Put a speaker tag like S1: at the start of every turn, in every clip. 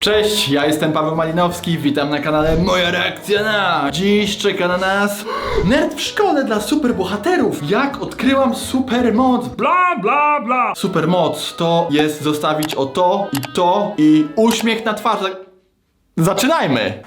S1: Cześć, ja jestem Paweł Malinowski, witam na kanale Moja Reakcja na... Dziś czeka na nas nerd w szkole dla superbohaterów. Jak odkryłam supermoc, bla bla bla. Supermoc to jest zostawić o to i uśmiech na twarzy. Zaczynajmy!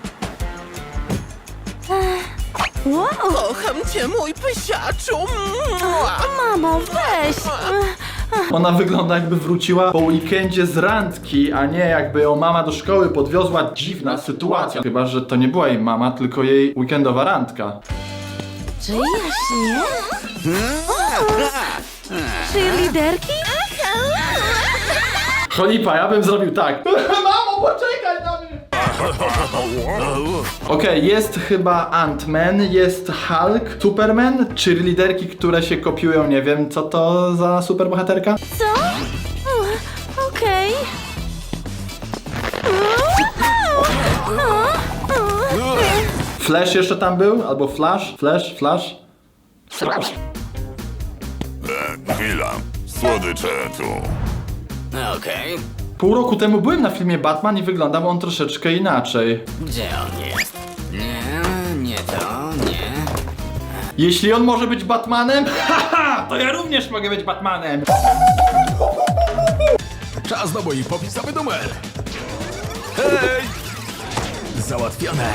S2: Wow,
S3: Kocham cię, mój pysiaczu! Mua.
S2: mamo, weź!
S1: Ona wygląda jakby wróciła po weekendzie z randki, a nie jakby ją mama do szkoły podwiozła. Dziwna sytuacja. Chyba, że to nie była jej mama, tylko jej weekendowa randka.
S2: Czy jaśnie? Czy liderki?
S1: Cholipa, ja bym zrobił tak. Mamo, poczekaj na mnie! Okej, jest chyba Ant-Man, jest Hulk, Superman, czy liderki, które się kopiują, nie wiem, co to za superbohaterka?
S2: Co? Okej.
S1: Flash jeszcze tam był? Albo Flash? Flash?
S4: Chwila, słodycze tu.
S5: Okej,
S1: Pół roku temu byłem na filmie Batman i wyglądał on troszeczkę inaczej.
S5: gdzie on jest? Nie to, nie.
S1: Jeśli on może być Batmanem, haha, to ja również mogę być Batmanem.
S6: Czas na mój popisowy numer! Hej! Załatwione!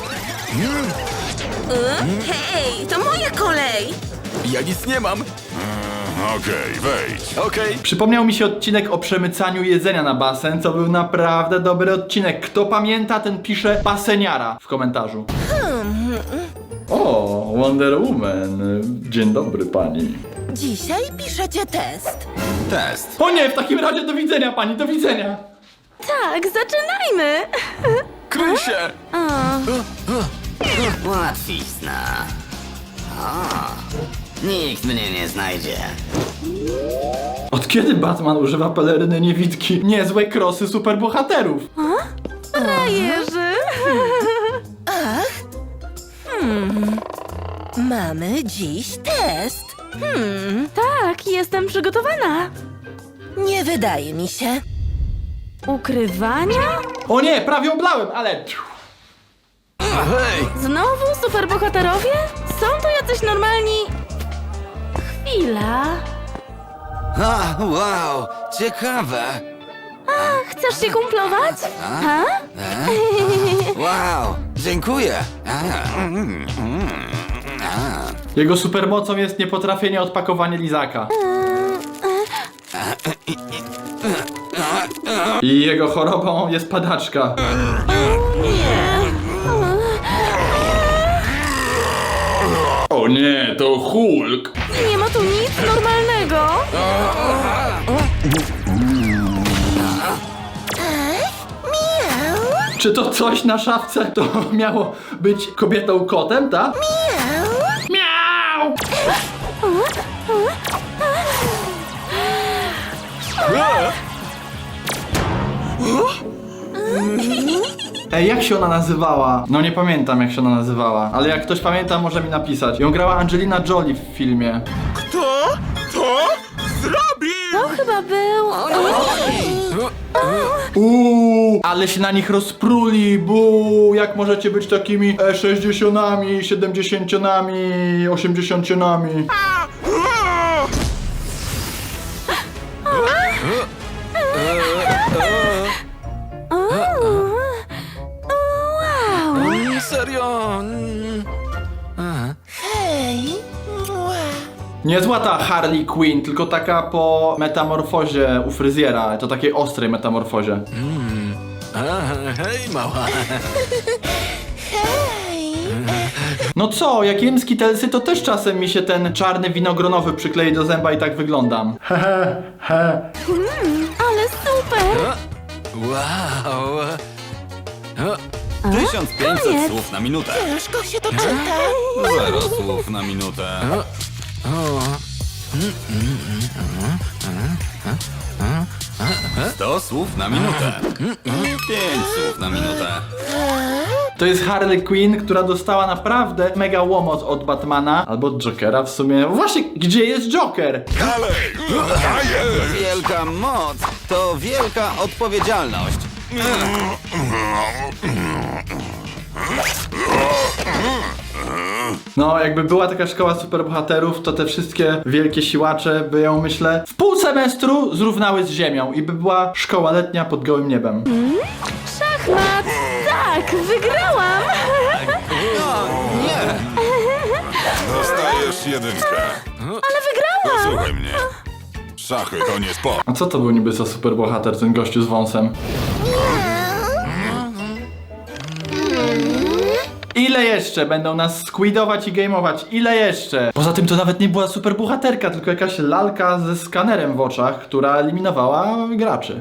S3: Hej, to moja kolej!
S6: Ja nic nie mam!
S4: Okej, wejdź.
S6: Okej.
S1: Przypomniał mi się odcinek o przemycaniu jedzenia na basen, co był naprawdę dobry odcinek. Kto pamięta, ten pisze baseniara w komentarzu. O, Wonder Woman. Dzień dobry pani.
S3: Dzisiaj piszecie test.
S4: Test.
S1: O nie, w takim razie do widzenia pani, do widzenia.
S2: Tak, zaczynajmy!
S6: Kryj się!
S5: Łatwizna. Nikt mnie nie znajdzie.
S1: Od kiedy Batman używa peleryny niewidki? Niezłe krosy superbohaterów.
S2: Frajerzy!
S3: Mamy dziś test.
S2: Tak, jestem przygotowana.
S3: Nie wydaje mi się.
S2: Ukrywania?
S1: O nie, prawie oblałem, ale...
S6: Hej!
S2: Znowu superbohaterowie? Są tu jacyś normalni... Chwila...
S5: Wow, ciekawe.
S2: Chcesz się kumplować? Ha?
S5: Wow, dziękuję.
S1: Jego supermocą jest niepotrafienie odpakowania lizaka. I jego chorobą jest padaczka. O nie, to Hulk!
S2: Nie ma tu nic normalnego!
S1: Czy to coś na szafce to miało być kobietą kotem, tak? Miau! Ej, jak się ona nazywała? No nie pamiętam, jak się ona nazywała. Ale jak ktoś pamięta, może mi napisać. Ją grała Angelina Jolie w filmie.
S3: Kto to zrobi?
S2: To chyba był...
S1: Ale się na nich rozpruli, jak możecie być takimi 60-nami, 70-nami, 80-nami.
S2: Wow!
S6: Serio?
S3: Hej. Mua.
S1: Niezła ta Harley Quinn, tylko taka po metamorfozie u fryzjera, to takiej ostrej metamorfozie.
S6: Hej, mała!
S3: Hej.
S1: No co, jak jem skitelsy, to też czasem mi się ten czarny winogronowy przyklei do zęba i tak wyglądam.
S2: Ale super!
S6: Wow!
S5: 1500
S2: koniec.
S5: słów na minutę.
S3: Ciężko się to czyta.
S5: 0 słów na minutę. 100 słów na minutę. 5 słów na minutę.
S1: To jest Harley Quinn, która dostała naprawdę mega łomot od Batmana, albo od Jokera w sumie. Właśnie, gdzie jest Joker?
S4: Dalej! Daję!
S5: Wielka moc to wielka odpowiedzialność.
S1: No, jakby była taka szkoła superbohaterów, to te wszystkie wielkie siłacze by ją, myślę, w pół semestru zrównały z ziemią i by była szkoła letnia pod gołym niebem.
S2: Szachmat! Tak, wygrałam!
S4: Dostajesz jedynkę.
S2: Ale wygrałam!
S4: Słuchaj mnie. Szachy to nie sport.
S1: A co to był niby za superbohater, ten gościu z wąsem? Ile jeszcze będą nas squidować i gameować? Ile jeszcze? Poza tym to nawet nie była superbohaterka, tylko jakaś lalka ze skanerem w oczach, która eliminowała graczy.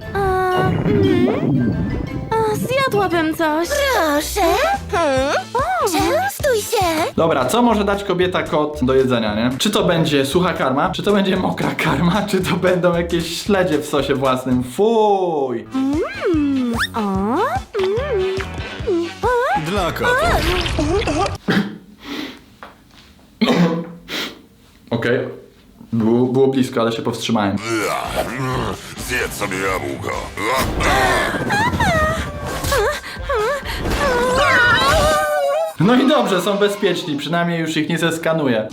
S2: Zjadłabym coś.
S7: Proszę. Częstuj się.
S1: Dobra, co może dać kobieta kot do jedzenia, nie? Czy to będzie sucha karma? Czy to będzie mokra karma? Czy to będą jakieś śledzie w sosie własnym? Fuj!
S6: Dla kota.
S1: Okej. Było blisko, ale się powstrzymałem.
S4: Zjedz sobie jabłko.
S1: No i dobrze, są bezpieczni, przynajmniej już ich nie zeskanuję.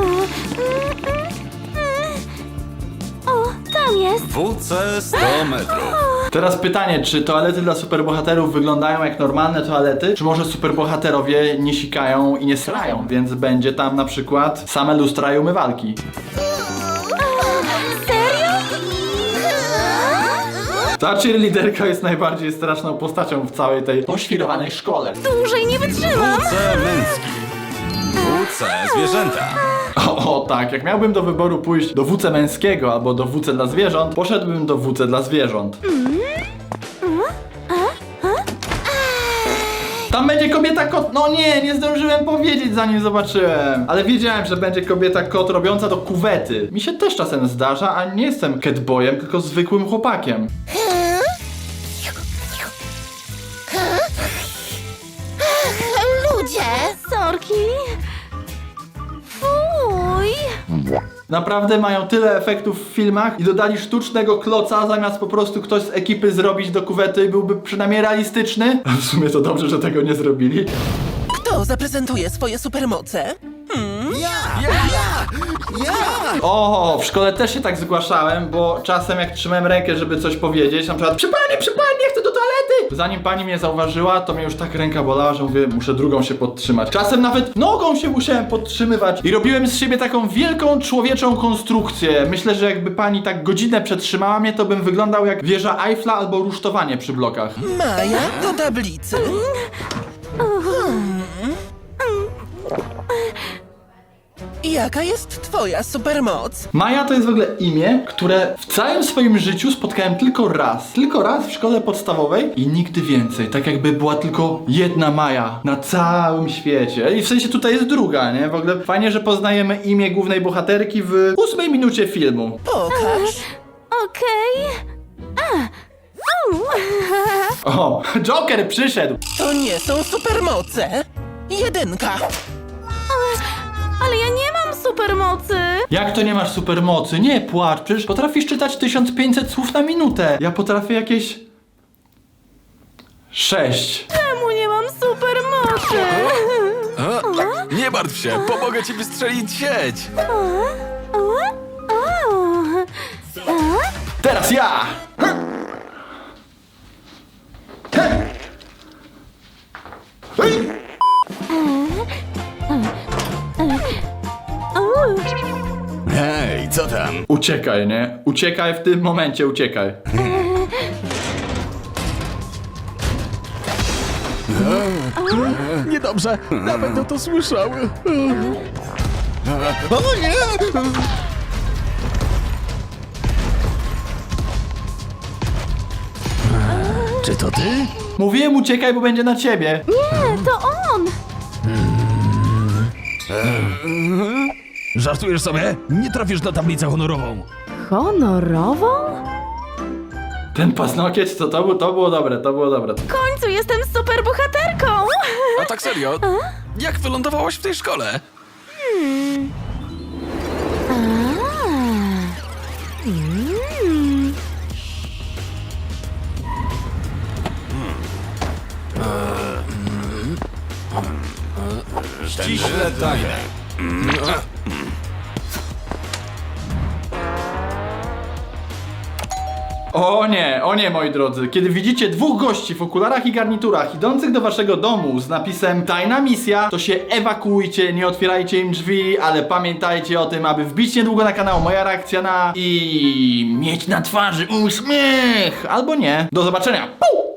S2: O, tam jest.
S6: WC 100 metrów.
S1: Teraz pytanie, czy toalety dla superbohaterów wyglądają jak normalne toalety, czy może superbohaterowie nie sikają i nie srają, więc będzie tam na przykład same lustra i umywalki. Ta cheerleaderka jest najbardziej straszną postacią w całej tej poświrowanej szkole.
S2: Dłużej nie wytrzymam.
S6: WC męski. WC zwierzęta.
S1: O tak, jak miałbym do wyboru pójść do WC męskiego albo do WC dla zwierząt, poszedłbym do WC dla zwierząt. Tam będzie kobieta kot. No nie zdążyłem powiedzieć, zanim zobaczyłem. Ale wiedziałem, że będzie kobieta kot robiąca do kuwety. Mi się też czasem zdarza, a nie jestem catboyem, tylko zwykłym chłopakiem.
S7: Ludzie.
S2: Sorki. Fuj.
S1: Naprawdę mają tyle efektów w filmach i dodali sztucznego kloca, zamiast po prostu ktoś z ekipy zrobić do kuwety i byłby przynajmniej realistyczny. A w sumie to dobrze, że tego nie zrobili.
S3: Kto zaprezentuje swoje supermoce?
S1: O, w szkole też się tak zgłaszałem, bo czasem jak trzymałem rękę, żeby coś powiedzieć, na przykład przy pani, chcę do toalety! Zanim pani mnie zauważyła, to mnie już tak ręka bolała, że mówię, muszę drugą się podtrzymać. Czasem nawet nogą się musiałem podtrzymywać i robiłem z siebie taką wielką człowieczą konstrukcję. Myślę, że jakby pani tak godzinę przetrzymała mnie, to bym wyglądał jak wieża Eiffla albo rusztowanie przy blokach.
S3: Maja do tablicy. Jaka jest twoja supermoc?
S1: Maja to jest w ogóle imię, które w całym swoim życiu spotkałem tylko raz. Tylko raz w szkole podstawowej i nigdy więcej. Tak jakby była tylko jedna Maja na całym świecie. I w sensie tutaj jest druga, nie? W ogóle fajnie, że poznajemy imię głównej bohaterki w 8 minucie filmu.
S3: Pokaż.
S2: Okej.
S1: O, Joker przyszedł!
S3: To nie są supermoce. Jedynka.
S2: Ale ja nie mam supermocy.
S1: Jak to nie masz supermocy? Nie płacz, przecież potrafisz czytać 1500 słów na minutę. Ja potrafię jakieś... 6.
S2: Czemu nie mam supermocy?
S6: Nie martw się, pomogę ci wystrzelić sieć.
S1: Teraz ja!
S6: Hej, co tam?
S1: Uciekaj, nie? Uciekaj w tym momencie, uciekaj.
S6: Niedobrze, na będą to słyszały. O nie! Czy to ty?
S1: Mówiłem uciekaj, bo będzie na ciebie.
S2: Nie, to on.
S8: Żartujesz sobie? Nie trafisz na tablicę honorową.
S2: Honorową?
S1: Ten paznokieć, to było dobre, to było dobre.
S2: W końcu jestem superbohaterką.
S6: A tak serio? Jak wylądowałaś w tej szkole? Ściśle tajne.
S1: O nie, moi drodzy. Kiedy widzicie dwóch gości w okularach i garniturach idących do waszego domu z napisem tajna misja, to się ewakuujcie, nie otwierajcie im drzwi, ale pamiętajcie o tym, aby wbić niedługo na kanał Moja Reakcja Na i mieć na twarzy uśmiech, albo nie. Do zobaczenia. Puu!